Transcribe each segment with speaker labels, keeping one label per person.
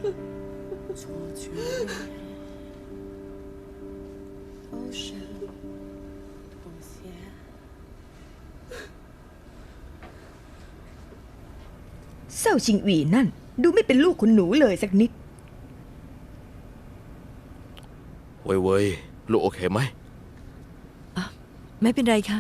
Speaker 1: เซาชิงอีนั่นดูไม่เป็นลูกคุณหนูเลยสักนิด
Speaker 2: เว้ยลูกโอเคไหม
Speaker 3: ไม่เป็นไรค่ะ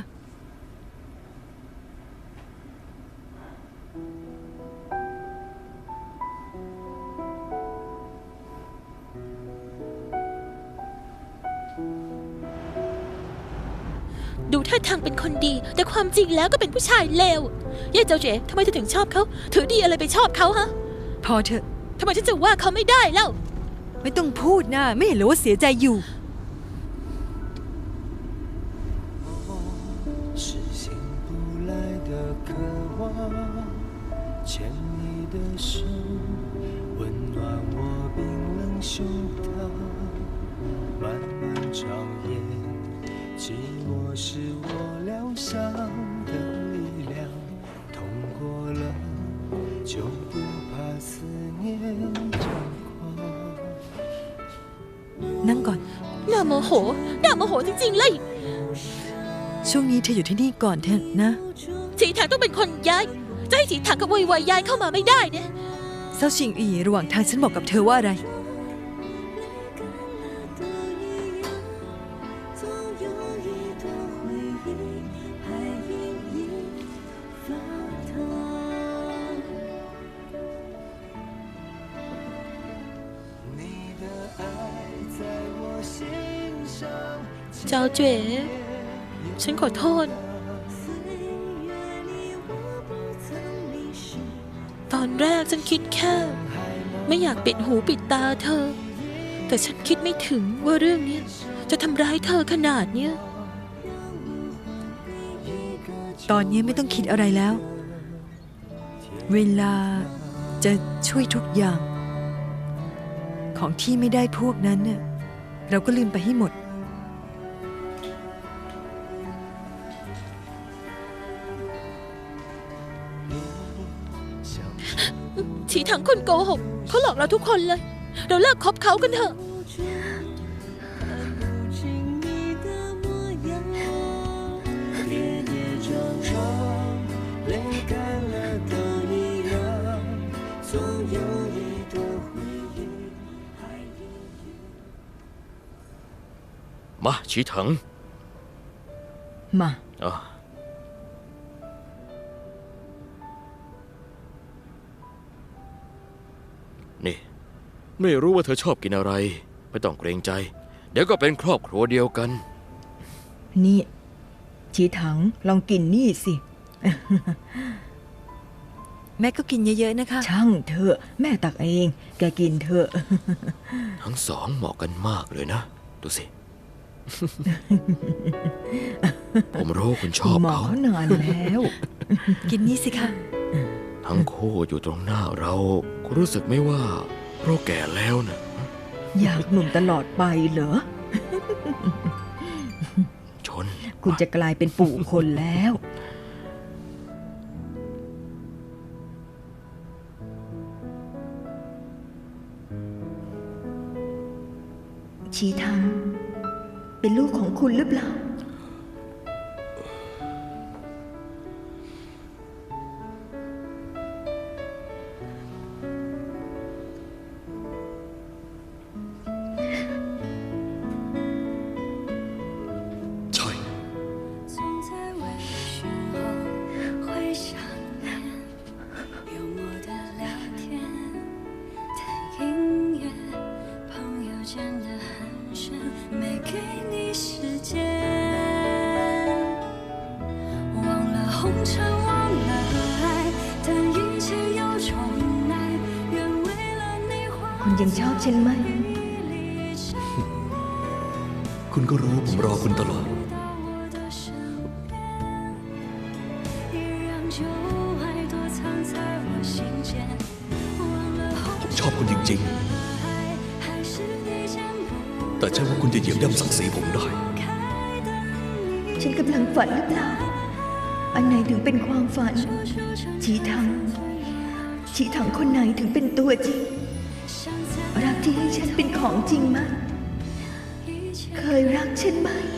Speaker 4: ดูท่าทางเป็นคนดีแต่ความจริงแล้วก็เป็นผู้ชายเลวเย่เจ้าเจ๋ทำไมเธอถึงชอบเขาถือดีอะไรไปชอบเขาฮะ
Speaker 3: พอเถอะ
Speaker 4: ทำไมฉันจะว่าเขาไม่ได้เล่า
Speaker 3: ไม่ต้องพูดนะไม่เห็นหรือว่าเสียใจอยู่
Speaker 5: 寂寞是我疗伤的力量，痛过了就不怕思念猖狂。
Speaker 3: นั่งก่อน
Speaker 4: น่าโมโหจริงๆเลย
Speaker 3: ช่วงนี้เธออยู่ที่นี่ก่อนเถอะนะ
Speaker 4: ฉีถังต้องเป็นคนย้ายจะให้ฉีถังกับวัยย้ายเข้ามาไม่ได้เนี่ย
Speaker 3: เซาชิงอีระหว่างทางฉันบอกกับเธอว่าอะไร
Speaker 4: เจ้าเจ๋ฉันขอโทษตอนแรกฉันคิดแค่ไม่อยากปิดหูปิดตาเธอแต่ฉันคิดไม่ถึงว่าเรื่องนี้จะทำร้ายเธอขนาดเนี้ย
Speaker 3: ตอนนี้ไม่ต้องคิดอะไรแล้วเวลาจะช่วยทุกอย่างของที่ไม่ได้พวกนั้นเนี่ยเราก็ลืมไปให้หมด
Speaker 4: ฉีถังคนโกหกเขาหลอกเราทุกคนเลยเราเลิกคบเขากันเถอะ
Speaker 2: มาฉีถัง
Speaker 1: มา
Speaker 2: นี่ไม่รู้ว่าเธอชอบกินอะไรไม่ต้องเกรงใจเดี๋ยวก็เป็นครอบครัวเดียวกัน
Speaker 1: นี่ฉีถังลองกินนี่สิ
Speaker 3: แม่ก็กินเยอะๆนะคะ
Speaker 1: ช่างเถอะแม่ตักเองแกกินเถอะ
Speaker 2: ทั้งสองเหมาะกันมากเลยนะดูสิผมรู้คุณชอบเขา
Speaker 1: นานแล้ว
Speaker 3: กินนี่สิคะ
Speaker 2: ทั้งคู่อยู่ตรงหน้าเราคุณรู้สึกไหมว่าเราแก่แล้วนะ
Speaker 1: อยากหนุ่มตลอดไปเหรอ
Speaker 2: ชน
Speaker 1: คุณจะกลายเป็นปู่คนแล้วชีทังเป็นลูกของคุณหรือเปล่าคุณยังชอบฉันไหม
Speaker 5: คุณก็รู้ผมรอคุณตลอดผมชอบคุณจริงๆแต่ใช่ว่าคุณจะเหยียบย่ำศักดิ์ศรีผมได้
Speaker 1: ฉันกำลังฝันหรือเปล่าอันไหนถึงเป็นความฝันชีถังคนไหนถึงเป็นตัวจริงรักที่ให้ฉันเป็นของจริงไหมเคยรักฉันไหม